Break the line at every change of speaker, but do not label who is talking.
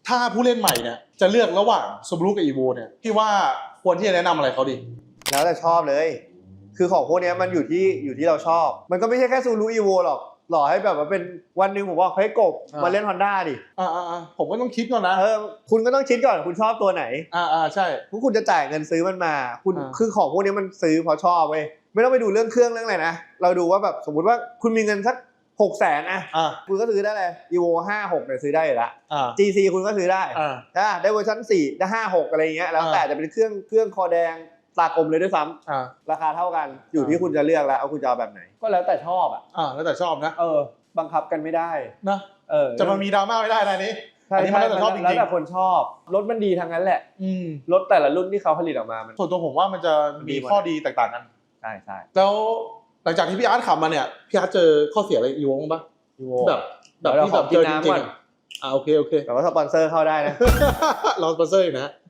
ถ้าผู้เล่นใหม่เนี่ยจะเลือกระหว่าง Subaru กับ Evo เนี่ยพี่ว่าควรที่จะแนะนำอะไรเขาดี
แล้วแต่ชอบเลยคือของพวกนี้มันอยู่ที่เราชอบมันก็ไม่ใช่แค่ Subaru Evo หรอกหล่อให้แบบว่าเป็นวันหนึ่งผมบอกเฮ้ยกบมาเล่น Honda ดิ
ผมก็ต้องคิดก่อนนะ
คุณก็ต้องคิดก่อนคุณชอบตัวไหน
ใช่
คุณจะจ่ายเงินซื้อมันมาคุณคือของพวกนี้มันซื้อเพราะชอบเว้ยไม่ต้องไปดูเรื่องเครื่องเรื่องอะไรนะเราดูว่าแบบสมมุติว่าคุณมีเงินสัก600,000คุณก็ซื้อได้เลย Evo 56เนี่ยซื้อได้อยู่แล้ว GC คุณก็ซื้อได้ได้เวอร์ชัน4ได้56อะไรอย่างเงี้ยแล้วแต่จะเป็นเครื่องคอแดงตากลมเลยด้วยซ้ำราคาเท่ากันอยู่ที่คุณจะเลือกแล้วเอาคุณจะเอาแบบไหนก็แล้วแต่ชอบ
แล้วแต่ชอบนะ
บังคับกันไม่ได้
นะจะมามีดราม่าไม่ได้นะนี้
อันนี้มันแล้วแต่ชอบจริงๆแล้วแต่คนชอบรถมันดีทั้งนั้นแหละรถแต่ละรุ่นที่เขาผลิตออกมา
ส่วนตัวผมว่ามันจะมีข้อดีแตกต่างกัน
ใช่
แล้วหลังจากที่พี่อาร์ตขับมาเนี่ยพี่อาร์ตเจอข้อเสียอะไรอีโวบ้างแบบที่แบบเจอจริงๆโอเค
แต่ว่าสปอนเซอร์เข้าได้นะ
เราสปอนเซอร์นะ